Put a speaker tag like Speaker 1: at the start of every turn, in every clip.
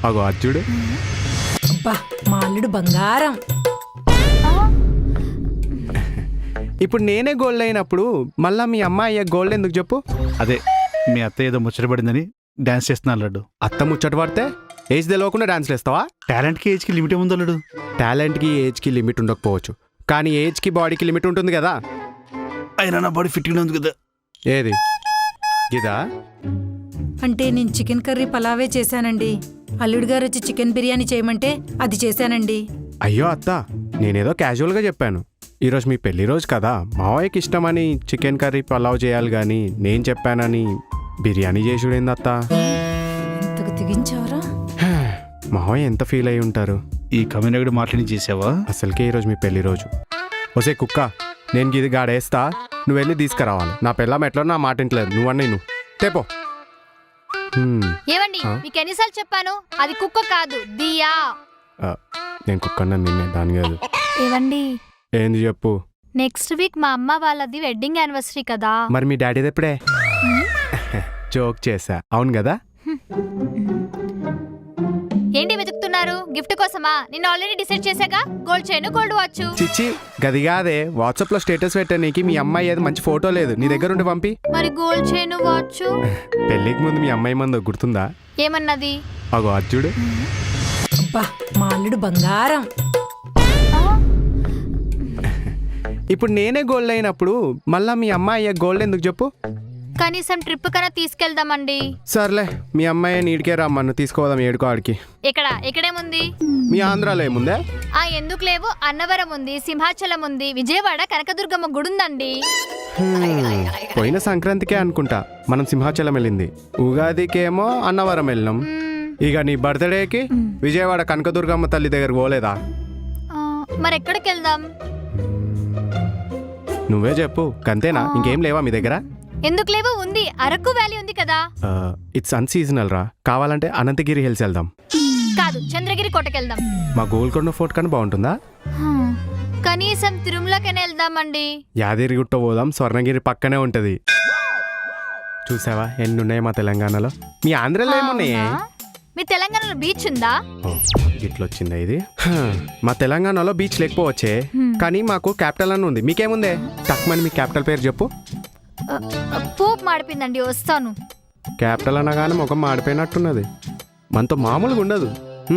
Speaker 1: అగో అర్జుడు.
Speaker 2: అబ్బా మా అల్లుడు బంగారం.
Speaker 1: ఇప్పుడు నేనే గోల్డ్ అయినప్పుడు మళ్ళా మీ అమ్మాయి గోల్డ్ ఎందుకు చెప్పు?
Speaker 3: అదే మీ అత్త ఏదో ముచ్చటపడిందని డాన్స్ చేస్తున్నా లడ్డు.
Speaker 1: అత్త ముచ్చట పడితే ఏజ్ తెలియకుండా డాన్స్లు వేస్తావా?
Speaker 3: టాలెంట్కి ఏజ్కి లిమిట్ ఏముందో లడ్డు?
Speaker 1: టాలెంట్కి ఏజ్కి లిమిట్ ఉండకపోవచ్చు, కానీ ఏజ్కి బాడీకి లిమిట్ ఉంటుంది కదా.
Speaker 3: అయినా నా బాడీ ఫిట్గా ఉంది కదా.
Speaker 1: ఏది ఇదా?
Speaker 2: అంటే నేను చికెన్ కర్రీ పలావే చేశానండి. అల్లుడు గారు వచ్చి చికెన్ బిర్యానీ చేయమంటే అది చేశానండి.
Speaker 1: అయ్యో అత్త, నేనేదో క్యాజువల్గా చెప్పాను. ఈరోజు మీ పెళ్లి రోజు కదా, మావయ్యకి ఇష్టమని చికెన్ కర్రీ పలావ్ చేయాలి కానీ నేను చెప్పానని బిర్యానీ చేసుడేంది అత్త?
Speaker 2: ఇంతకు తెగించావరా?
Speaker 1: మావయ్య ఎంత ఫీల్ అయి ఉంటారు.
Speaker 3: ఈ కమ్యూనిటీ మాట్లాడి చేసావా?
Speaker 1: అసలుకే ఈరోజు మీ పెళ్లి రోజు. ఒసే కుక్క, నేను ఇది గాడేస్తా, నువ్వు వెళ్ళి తీసుకురావాలి. నా పిల్లం ఎట్లా నా మాట ఇంటలేదు, నువ్వన్నీ నువ్వు తేపో.
Speaker 4: ఏమండి మీకు ఎన్నిసార్లు చెప్పాను, అది కుక్క కాదు దియా.
Speaker 1: నేను కుక్కన్నా నిన్నే, దాని కాదు.
Speaker 4: ఏవండి
Speaker 1: ఏంది చెప్పు.
Speaker 4: నెక్స్ట్ వీక్ మా అమ్మ వాళ్ళది వెడ్డింగ్ యానివర్సరీ కదా.
Speaker 1: మరి మీ డాడీది ఎప్పుడే? జోక్ చేసా, అవును కదా.
Speaker 4: ఏంటి వెతుకుతున్నారు? గిఫ్ట్ కోసమా? నేను ఆల్రెడీ డిసైడ్ చేశాగా, గోల్డ్ చైన్ గోల్డ్ వాచ్.
Speaker 1: చిచ్చి గది కాదే, వాట్సాప్ లో స్టేటస్ పెట్టానికి మీ అమ్మాయి ఏది మంచి ఫోటో లేదు, నీ దగ్గర ఉండి పంపి.
Speaker 4: మరి గోల్డ్ చైన్ వాచ్
Speaker 1: పెళ్ళికి ముందు మీ అమ్మాయి మందు గుర్తుందా?
Speaker 4: ఏమన్నది?
Speaker 1: అగో అర్జుడు.
Speaker 2: అబ్బా మా అల్లుడు బంగారం.
Speaker 1: ఇప్పుడు నేనే గోల్డ్ అయినప్పుడు మళ్ళా మీ అమ్మాయి గోల్డ్ ఎందుకు చెప్పు?
Speaker 4: కనీసం ట్రిప్ కన్నా తీసుకెళ్దామండి.
Speaker 1: సర్లే, మీ అమ్మాయి నీడికే రమ్మను, తీసుకోదాం ఏడుకో ఆడికి.
Speaker 4: ఎక్కడేముంది?
Speaker 1: మీ ఆంధ్రాలో ఏముందే?
Speaker 4: ఎందుకు లేవు? అన్నవరం ఉంది, సింహాచలం ఉంది, విజయవాడ కనకదుర్గమ్మ గుడి ఉందండి.
Speaker 1: పోయిన సంక్రాంతికే అనుకుంటా మనం సింహాచలం వెళ్ళింది, ఉగాదికేమో అన్నవరం వెళ్ళినాం. ఇక నీ బర్త్డేకి విజయవాడ కనకదుర్గమ్మ తల్లి దగ్గరకు పోలేదా?
Speaker 4: మరి ఎక్కడికి వెళ్దాం?
Speaker 1: నువ్వే చెప్పు, అంతేనా? ఇంకేం లేవా మీ దగ్గర?
Speaker 4: ఎందుకు లేవు? ఉంది, అరకు వ్యాలీ ఉంది కదా.
Speaker 1: ఇట్స్ అన్సీజనల్ రా, కావాలంటే అనంతగిరి హిల్స్ వెళ్దాం.
Speaker 4: కాదు, చంద్రగిరి కోటకెళ్దాం.
Speaker 1: మా గోల్కొండ ఫోర్ట్ కన్నా బాగుంటుందా?
Speaker 4: కనీసం తిరుమలకైనా వెళ్దామండి.
Speaker 1: యాదగిరిగుట్ట పోదాం, స్వర్ణగిరి పక్కనే ఉంటది. చూసావా ఎన్ని ఉన్నాయి మా తెలంగాణలో. మీ ఆంధ్రలో ఏమున్నాయి?
Speaker 4: మీ తెలంగాణలో బీచ్ ఉందా?
Speaker 1: ఇట్లొచ్చిందా ఇది? మా తెలంగాణలో బీచ్ లేకపోవచ్చే, కానీ మాకు క్యాపిటల్ అని ఉంది. మీకేముందే? తక్కువని మీ క్యాపిటల్ పేరు చెప్పు.
Speaker 4: పోపు మాడిపోయిందండి, వస్తాను.
Speaker 1: క్యాపిటల్ అనగానే ముఖం మాడిపోయినట్టున్నది, మనతో మామూలుగా ఉండదు.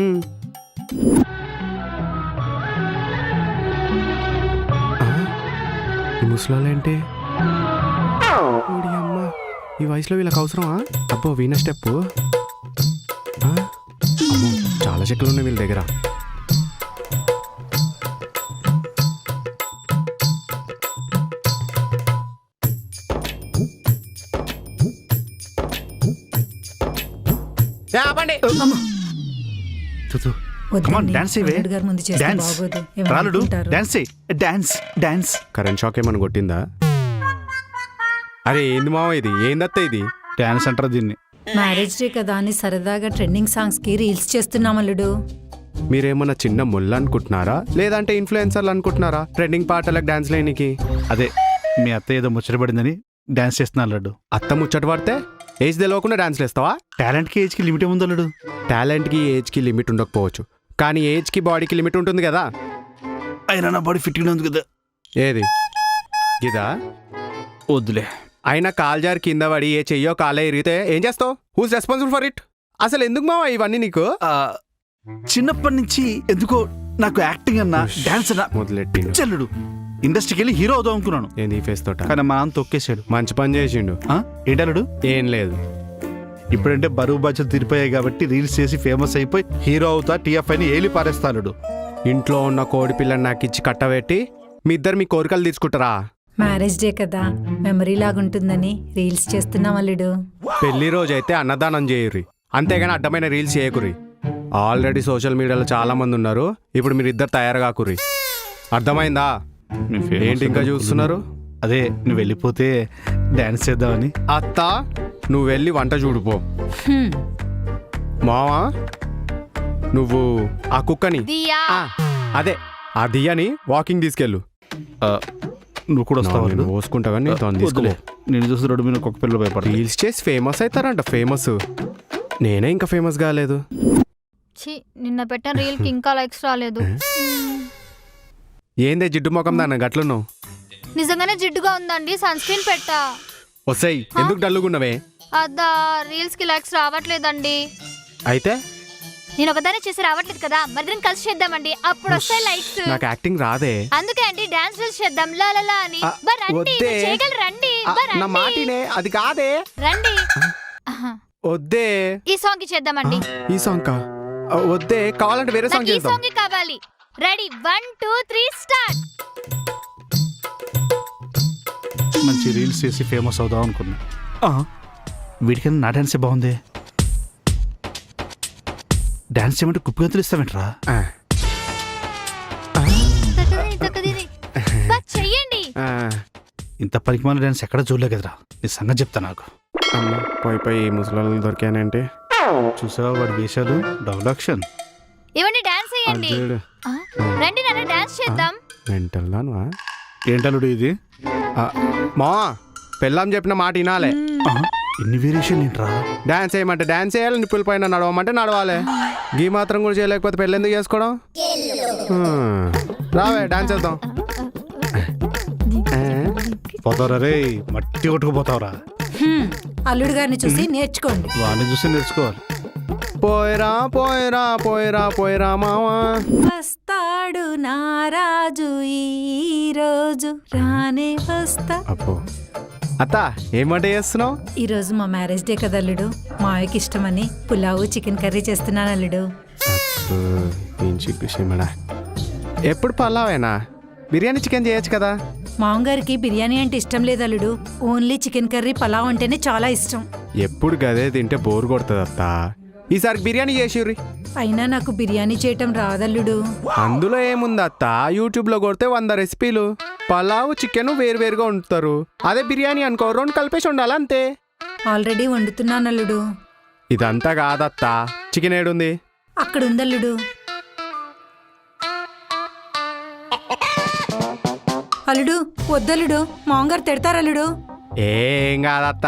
Speaker 1: ఈ ముసలాలేంటి? అమ్మ, ఈ వయసులో వీళ్ళకి అవసరమా? అబ్బో వీణ స్టెప్. అమ్మో, చాలా చెట్లు ఉన్నాయి వీళ్ళ దగ్గర. కరెంట్ షాక్ ఏమని కొట్టిందా? అరే ఏంది మావ ఇది? ఏందత్త ఇది?
Speaker 3: డాన్స్ అంటారు దీన్ని.
Speaker 2: మ్యారేజ్ డే కదా అని సరదాగా ట్రెండింగ్ సాంగ్స్ కి రీల్స్ చేస్తున్నాం అల్లుడు.
Speaker 1: మీరేమన్నా చిన్న ముళ్ళు అనుకుంటున్నారా, లేదంటే ఇన్ఫ్లుయెన్సర్లు అనుకుంటున్నారా ట్రెండింగ్ పాటలకు డాన్స్ లేనికి?
Speaker 3: అదే మీ అత్త ఏదో ముచ్చటపడిందని డాన్స్ చేస్తున్నా లడ్డు.
Speaker 1: అత్త ముచ్చట పడితే ఏజ్ తెలియకుండా డాన్స్లు వేస్తావా?
Speaker 3: టాలెంట్కి ఏజ్కి లిమిట్ ఏముందో లడ్డు?
Speaker 1: టాలెంట్కి ఏజ్కి లిమిట్ ఉండకపోవచ్చు, కానీ ఏజ్కి బాడీకి లిమిట్ ఉంటుంది కదా.
Speaker 3: అయినా నా బాడీ ఫిట్గా ఉంది కదా.
Speaker 1: ఏది ఇదా?
Speaker 3: వద్దులే.
Speaker 1: అయినా కాల్జార్ కింద పడి ఏ చెయ్యో కాలే ఇరిగితే ఏం చేస్తావు? Who's responsible for it? అసలు ఎందుకు మావా ఇవన్నీ నీకు?
Speaker 3: చిన్నప్పటి నుంచి ఎందుకో నాకు యాక్టింగ్ అన్నా డాన్స్ అన్నా
Speaker 1: మొదలెట్టి
Speaker 3: చెల్లుడు. ఇండస్ట్రీకి వెళ్ళి హీరో అవుదాం అనుకున్నాను,
Speaker 1: ఏంది ఈ ఫేస్ తోట.
Speaker 3: కానీ మా నాన్న తొక్కేసాడు.
Speaker 1: మంచి పని చేసిండు.
Speaker 3: ఏంటల్లుడు?
Speaker 1: ఏం లేదు,
Speaker 3: ఇప్పుడంటే బరువు బాధ్యతలు తీరిపోయాయి కాబట్టి రీల్స్ చేసి ఫేమస్ అయిపోయి హీరో అవుతా టీఎఫ్ఐని ఏలి పారేస్తాడు.
Speaker 1: ఇంట్లో ఉన్న కోడి పిల్లని నాకు ఇచ్చి కట్టబెట్టి మీ ఇద్దరు మీ కోరికలు తీసుకుంటారా?
Speaker 2: మ్యారేజ్ డే కదా, మెమరీ లాగుంటుందని రీల్స్ చేస్తున్నాం అల్లుడు.
Speaker 1: పెళ్లి రోజు అయితే అన్నదానం చేయుర్రి, అంతేగాని అడ్డమైన రీల్స్ చేయకుర్రి. ఆల్రెడీ సోషల్ మీడియాలో చాలా మంది ఉన్నారు, ఇప్పుడు మీరు ఇద్దరు తయారు కాకుర్రి. అర్థమైందా? ఏంటి ఇంకా చూస్తున్నారు?
Speaker 3: అదే నువ్వు వెళ్ళిపోతే డాన్స్ చేద్దామని.
Speaker 1: అత్త నువ్వు వెళ్ళి వంట చూడుపో. మావా నువ్వు ఆ కుక్కని, అదే ఆ దియ్యని వాకింగ్ తీసుకెళ్ళు.
Speaker 3: నువ్వు కూడా వస్తావు?
Speaker 1: పోసుకుంటా కానీ తీసుకోలే.
Speaker 3: నేను చూసి రోడ్డు మీద కుక్క పిల్లలు భయపడతా.
Speaker 1: రీల్స్ చేసి ఫేమస్ అవుతారంట. ఫేమస్ నేనే ఇంకా ఫేమస్ కాలేదు.
Speaker 4: ఛీ, నిన్న పెట్టిన రీల్ కి ఇంకా లైక్స్ రాలేదు.
Speaker 1: ఏందే జిడ్డు ముఖం దాన్న గట్లున్నావు?
Speaker 4: నిజంగానే జిడ్డుగా ఉందండి, సన్ స్క్రీన్ పెట్టా.
Speaker 1: వస్తాయి ఎందుకు డల్లుగున్నవే?
Speaker 4: అదా రీల్స్ కి లైక్స్ రావట్లేదండి.
Speaker 1: అయితే
Speaker 4: నేను ఒకదానే చేసి రావట్లేదు కదా, మరిద్దరం కలిసి చేద్దామండి, అప్పుడు వస్తాయి లైక్స్.
Speaker 1: నాకు యాక్టింగ్ రాదే.
Speaker 4: అందుకే అండి డాన్స్ రీల్స్ చేద్దాం లా లా లా అని.
Speaker 1: ఆ,
Speaker 4: బా రండి,
Speaker 1: వద్దే.
Speaker 4: మీరు చేయగలరు, రండి.
Speaker 1: ఆ,
Speaker 4: బా
Speaker 1: నా
Speaker 4: రండి.
Speaker 1: మాటినే అది కాదే.
Speaker 4: రండి. ఆహా.
Speaker 1: వద్దే.
Speaker 4: ఈ సాంగ్ కి చేద్దామండి.
Speaker 1: ఈ సాంగ్ కా? వద్దే, కావాలంటే వేరే సాంగ్
Speaker 4: నాకు ఈ
Speaker 1: చేద్దాం.
Speaker 4: సాంగ్ కావాలి. Ready 1 2 3 start.
Speaker 3: మంచి రీల్స్ చేసి ఫేమస్ అవుదాం అనుకున్నా. వీడికైనా నా డాన్సే బాగుంది. డాన్స్ చేయమంటే కుప్పిగంతులు ఇస్తావేంట్రా?
Speaker 1: ఆ,
Speaker 4: తక్కదిని. బా చెయ్యండి.
Speaker 1: ఆ,
Speaker 3: ఇంత పరిమాణ డాన్స్ ఎక్కడ చూడలే కదరా. నీ సంగతి చెప్తా నాకు.
Speaker 1: అమ్మ, పోయి పోయి ముసలి దొరికానంటే.
Speaker 3: చూసావా వాడి వేషాలు? Double action.
Speaker 4: ఇవ్వండి డాన్స్ చేయండి.
Speaker 1: అదేడు.
Speaker 4: ఆ, రండి నాన్న డాన్స్ చేద్దాం.
Speaker 1: మెంటల్ దానువా?
Speaker 3: ఏంటలుడు ఇది?
Speaker 1: మా పెళ్ళాం చెప్పిన మాట వినాలే.
Speaker 3: ఇన్ని వేరియేషన్ ఏంట్రా?
Speaker 1: డాన్స్ చేయమంటే డాన్స్ చేయాలి, నిప్పుల పైన నడవమంటే నడవాలి. గీ మాత్రం కూడా చేయలేకపోతే పెళ్ళి ఎందుకు చేసుకోవడం? రావే డాన్స్ చేద్దాం.
Speaker 3: పోతావురా రే, మట్టి కొట్టుకుపోతావురా.
Speaker 2: అల్లుడు గారిని చూసి నేర్చుకోండి.
Speaker 3: వాడిని చూసి నేర్చుకోవాలి.
Speaker 1: పోయిరా పోయిరా పోయిరా పోయిరా మావా.
Speaker 2: వస్తాడు నారాజు ఈ రోజు రానే వస్తా.
Speaker 1: అప్పో అత్త, ఏం వంట చేస్తున్నావు?
Speaker 2: ఈ రోజు మా మ్యారేజ్ డే కదా అల్లుడు, మావయ్యకి ఇష్టమని పులావు చికెన్ కర్రీ చేస్తున్నాను అల్లుడు.
Speaker 1: ఎప్పుడు పలావేనా? బిర్యానీ చికెన్ చేయొచ్చు కదా.
Speaker 2: మామగారికి బిర్యానీ అంటే ఇష్టం లేదు అల్లుడు, ఓన్లీ చికెన్ కర్రీ పలావ్ అంటేనే చాలా ఇష్టం.
Speaker 1: ఎప్పుడు గదే తింటే బోర్ కొడుతుంది అత్త. ఈసారి బిర్యానీ చేసిర్రి.
Speaker 2: అయినా నాకు బిర్యానీ చేయటం రాదల్లుడు.
Speaker 1: అందులో ఏముంది అత్త, యూట్యూబ్ లో కొడితే 100 రెసిపీలు. పలావ్ చికెన్ వేరువేరుగా వండుతారు. అదే బిర్యానీ అనుకో, 2 కలిపేసి ఉండాలి అంతే.
Speaker 2: ఆల్రెడీ వండుతున్నాను అల్లుడు.
Speaker 1: ఇదంతా కాదత్త, చికెన్ ఏడుంది?
Speaker 2: అక్కడ ఉందల్లుడు. అల్లుడు వద్దల్లుడు, మామగారు తిడతారల్లుడు.
Speaker 1: ఏం కాదత్త,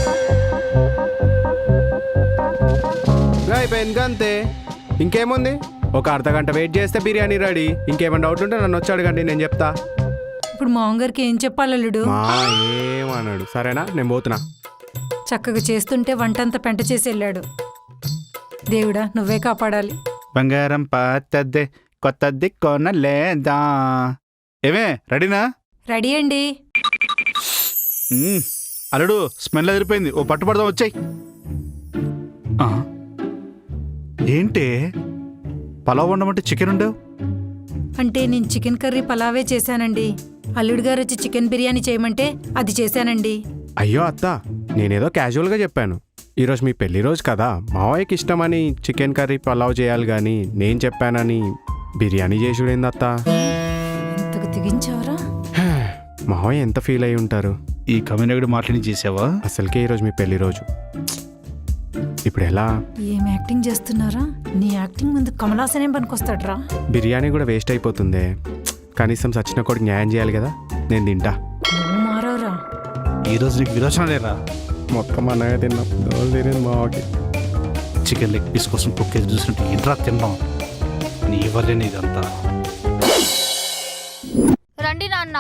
Speaker 1: అయిపోయింది అంతే. ఇంకేముంది, ఒక అర్ధగంట వెయిట్ చేస్తే బిర్యానీ రెడీ. ఇంకేమైనా డౌట్ ఉంటే నన్ను వచ్చి అడగండి, నేను చెప్తా.
Speaker 2: ఇప్పుడు మామగారికి ఏం చెప్పాలి అల్లుడు?
Speaker 1: మా ఏమన్నాడు? సరేనా, నేను పోతున్నా.
Speaker 2: చక్కగా చేస్తుంటే వంటంతా పెంట చేసి వెళ్ళాడు. దేవుడా నువ్వే కాపాడాలి.
Speaker 3: బంగారం పాతద్దే కొత్తది కొనలేదా? ఏమే రెడీనా?
Speaker 2: రెడీ అండి.
Speaker 3: అల్లుడు స్మెల్ ఎదిరిపోయింది, ఓ పట్టు పడదాం, వచ్చాయి. ఏంటి పలావ్ వండమంటే చికెన్ ఉండవు?
Speaker 2: అంటే నేను చికెన్ కర్రీ పలావే చేశానండి. అల్లుడు గారు వచ్చి చికెన్ బిర్యానీ చేయమంటే అది చేశానండి.
Speaker 1: అయ్యో అత్త, నేనేదో క్యాజువల్గా చెప్పాను. ఈరోజు మీ పెళ్లి రోజు కదా, మావయ్యకి ఇష్టమని చికెన్ కర్రీ పలావ్ చేయాలి కానీ నేను చెప్పానని బిర్యానీ చేసుడేంది అత్త?
Speaker 2: ఇంతకు తెగించావరా?
Speaker 1: మావయ్య ఎంత ఫీల్ అయి ఉంటారు.
Speaker 3: ఈ కమ్యూనిటీ మాట్లాడి చేసావా?
Speaker 1: అసలుకే ఈరోజు మీ పెళ్లి రోజు. ఇప్పుడు ఎలా?
Speaker 2: ఏం యాక్టింగ్ చేస్తున్నారా? నీ యాక్టింగ్ ముందు కమలాసనే పనికొస్తాడ్రా.
Speaker 1: బిర్యానీ కూడా వేస్ట్ అయిపోతుంది. కనీసం సచిన కొడుకు న్యాయం చేయాలి కదా. నేను తింటా.
Speaker 2: నువ్వు మారవరా?
Speaker 3: ఈరోజు నీకు విరోచన లేరా?
Speaker 1: మొత్తం అన్నగా తిన్నా, తినేది మావకి.
Speaker 3: చికెన్ లెగ్ పీస్ కోసం కుక్కేది చూసినట్టు ఇంట్రా తిన్నాం. నీ వల్లేని ఇదంతా.
Speaker 4: రండి నాన్న.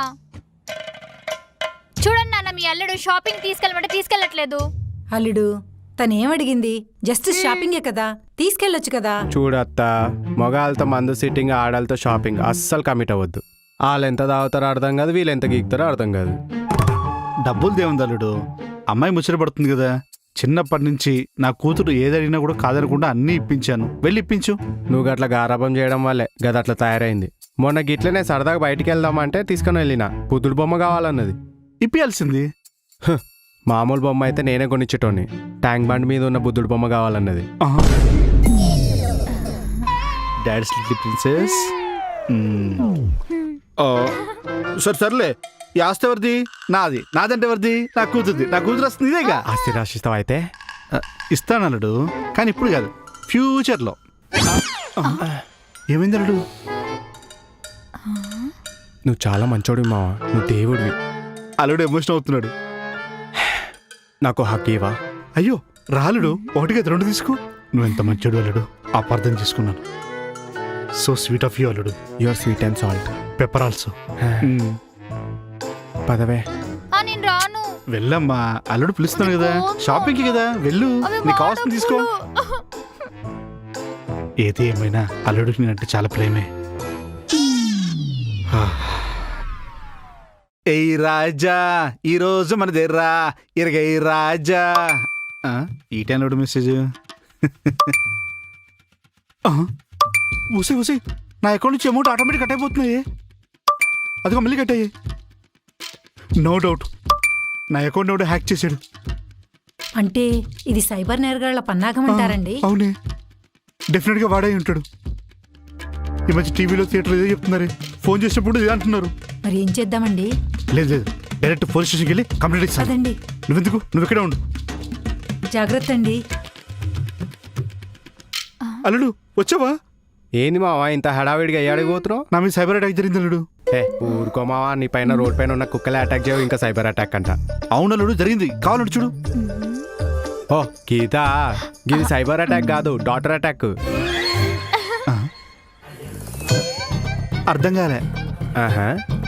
Speaker 4: చూడండి నాన్న, మీ అల్లుడు షాపింగ్ తీసుకెళ్ళమంటే తీసుకెళ్ళట్లేదు.
Speaker 2: అల్లుడు తనేమడిగింది? జస్ట్ షాపింగే కదా, తీసుకెళ్ళొచ్చు కదా.
Speaker 1: చూడత్తా, మగాళ్ళతో మందు సిట్టింగ్, ఆడాలతో షాపింగ్ అస్సలు కమిట్ అవ్వద్దు. వాళ్ళు ఎంత తాగుతారో అర్థం కాదు, వీళ్ళు ఎంత గీకుతారో అర్థం కాదు.
Speaker 3: డబ్బులు దేవుంది అల్లుడు, అమ్మాయి ముచ్చట పడుతుంది కదా. చిన్నప్పటి నుంచి నా కూతురు ఏదడిగినా కూడా కాదనకుండా అన్నీ ఇప్పించాను, వెళ్ళి ఇప్పించు.
Speaker 1: నువ్వు గట్ల గారాబం చేయడం వల్లే గద అట్లా తయారైంది. మొన్న గిట్లనే సరదాగా బయటికి వెళ్దామంటే తీసుకుని వెళ్ళిన, బుద్ధుడు బొమ్మ కావాలన్నది.
Speaker 3: ఇప్పియాల్సింది.
Speaker 1: మామూలు బొమ్మ అయితే నేనే కొనిచ్చేటోని. ట్యాంక్ బండ్ మీద ఉన్న బుద్ధుడు బొమ్మ కావాలన్నది.
Speaker 3: Dad's little princess. సరే సర్లే, ఈ ఆస్తి ఎవరిది? నాది. నాదంటే ఎవరిది? నా కూతురుది. నా కూతురు వస్తుంది ఇదేగా.
Speaker 1: ఆస్తి రాసిస్తావు అయితే?
Speaker 3: ఇస్తాను అల్లుడు, కానీ ఇప్పుడు కాదు, ఫ్యూచర్లో. ఏమైంది అల్లుడు?
Speaker 1: నువ్వు చాలా మంచోడివి మావా, నువ్వు దేవుడివి.
Speaker 3: అల్లుడు ఎమోషన్ అవుతున్నాడు.
Speaker 1: నాకు హక్కు ఇవా?
Speaker 3: అయ్యో రాలుడు, 1 2 తీసుకో. నువ్వెంత మంచోడు అల్లుడు. అపార్థం చేసుకున్నాను. సో స్వీట్ ఆఫ్ యూ అల్లుడు.
Speaker 1: Your sweet and salt.
Speaker 3: Pepper also.
Speaker 1: పదవే.
Speaker 4: నేను రాను.
Speaker 3: వెళ్ళమ్మా, అల్లుడు పిలుస్తున్నాను కదా, షాపింగ్కి కదా, వెళ్ళు,
Speaker 4: అవి
Speaker 3: నీకు కావాల్సింది తీసుకో.
Speaker 4: వాడప్పులు.
Speaker 3: ఏది ఏమైనా అల్లుడికి నేనంటే చాలా ప్రేమే. ఏయ్ రాజా, ఈ రోజు మన దగ్గర ఇరగై రాజా. ఈ టైంలో మెసేజ్. ఊసే ఊసే, నా అకౌంట్ నుంచి అమౌంట్ ఆటోమేటిక్ కట్ అయిపోతున్నాయి. అదిగో మళ్ళీ కట్ అయ్యాయి. నో డౌట్ నా అకౌంట్ ఎవడో హ్యాక్ చేశాడు.
Speaker 2: అంటే ఇది సైబర్ నేరగాళ్ల పన్నాగం అంటారండి.
Speaker 3: అవునే, డెఫినెట్గా వాడే ఉంటాడు. ఈ మధ్య టీవీలో థియేటర్లో ఏదో చెప్తున్నారే, ఫోన్ చేసినప్పుడు ఇదే అంటున్నారు.
Speaker 2: మరి ఏం చేద్దామండి?
Speaker 3: లేదు లేదు, డైరెక్ట్ పోలీస్ స్టేషన్కి వెళ్ళి కంప్లైంట్ ఇస్తాను.
Speaker 2: అదండి,
Speaker 3: నువ్వెందుకు, నువ్వు ఇక్కడే ఉండు.
Speaker 2: జాగ్రత్త అండి.
Speaker 3: అల్లుడు వచ్చావా?
Speaker 1: ఏంది మావా ఇంత హడావిడిగా అయ్యాడికి పోతున్నావు?
Speaker 3: నా మీద సైబర్ అటాక్ జరిగింది అల్లుడు.
Speaker 1: ఊరుకో మావా, నీ పైన రోడ్ పైన ఉన్న కుక్కలే అటాక్ చేయవు, ఇంకా సైబర్ అటాక్ అంట.
Speaker 3: అవును అల్లుడు, జరిగింది, కావాలంటే చూడు.
Speaker 1: ఓ గీత, ఇది సైబర్ అటాక్ కాదు, డాటర్ అటాక్.
Speaker 3: అర్థం కాలే.
Speaker 1: ఆహా.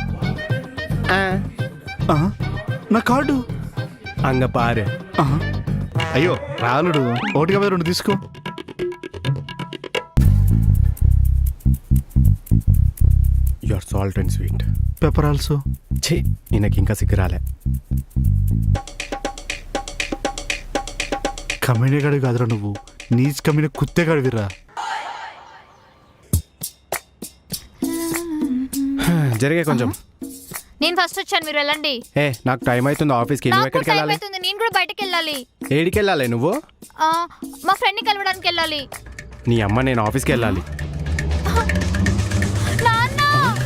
Speaker 3: నా కార్డు.
Speaker 1: అంగ పారు.
Speaker 3: అయ్యో రాలుడు, 1/2 తీసుకో.
Speaker 1: Your salt and sweet.
Speaker 3: Pepper also.
Speaker 1: ఛీ, ఈయనకి ఇంకా సిగ్గురాలే.
Speaker 3: కమ్మినే గాడి కాదురా నువ్వు, నీచ్ కమ్మిన కుత్తే గాడివిరా.
Speaker 1: జరిగే కొంచెం.
Speaker 4: నేను ఫస్ట్ వచ్చాను, మీరు వెళ్ళండి.
Speaker 1: నాకు టైం అవుతుంది ఆఫీస్కి. నువ్వు
Speaker 4: నాకు
Speaker 1: ఎక్కడికి
Speaker 4: టైం
Speaker 1: వెళ్ళాలి?
Speaker 4: అవుతుంది, నేను కూడా బయటకు వెళ్ళాలి.
Speaker 1: ఏడికి వెళ్ళాలి నువ్వు?
Speaker 4: ఆ, మా ఫ్రెండ్ ని కలవడానికి వెళ్ళాలి.
Speaker 1: నీ అమ్మ, నేను ఆఫీస్కి వెళ్ళాలి.
Speaker 4: నాన్న,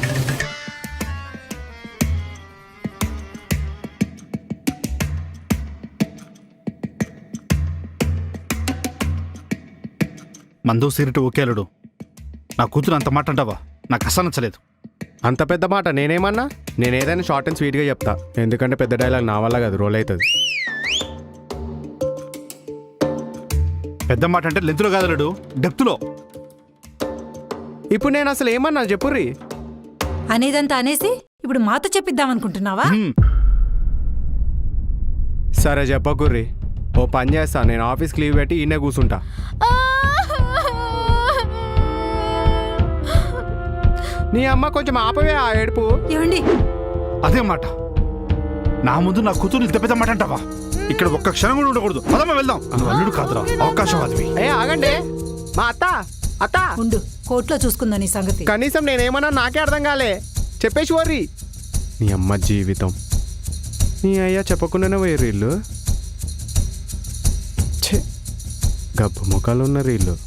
Speaker 3: మందు సిగరెట్ ఓకే అల్లుడు, నా కూతురు అంత మాట అంటావా? నాకు అస్సలు నచ్చలేదు.
Speaker 1: అంత పెద్ద మాట నేనేమన్నా? నేను ఏదైనా షార్ట్ అండ్ స్వీట్గా చెప్తా, ఎందుకంటే పెద్ద డైలాగ్ నా వల్ల కాదు, రోల్ అవుతుంది.
Speaker 3: పెద్ద మాట అంటే లెంత్లో కాదు అల్లుడు, డెప్త్లో.
Speaker 1: ఇప్పుడు నేను అసలు ఏమన్నా చెప్పుర్రి.
Speaker 2: అనేదంతా అనేసి ఇప్పుడు మాతో చెప్పిద్దాం అనుకుంటున్నావా?
Speaker 1: సరే చెప్పకుర్రి, ఓ పని చేస్తా, నేను ఆఫీస్కి లీవ్ పెట్టి ఈయనే కూర్చుంటా. నీ అమ్మ కొంచెం ఆపవే ఆ ఏడుపు.
Speaker 2: ఏమండి,
Speaker 3: అదే మాట నా ముందు నా కూతురు ఇంత పెద్ద మాట అంటావా? ఇక్కడ ఒక్క క్షణం కూడా ఉండకూడదు. పదమ్మా వెళ్దాం. నువ్వు అల్లుడు కాదురా, అవకాశవాదివి.
Speaker 1: ఆగండి మా అత్త. అత్త
Speaker 2: ఉండు, కోర్టులో చూసుకుందా నీ సంగతి.
Speaker 1: కనీసం నేనేమన్నా నాకే అర్థం కాలే, చెప్పేసి వర్రి. నీ అమ్మ జీవితం, నీ అయ్యా చెప్పకుండానే పోయారు వీళ్ళు. ఛే, గబ్బు ముఖాలు ఉన్నారు వీళ్ళు.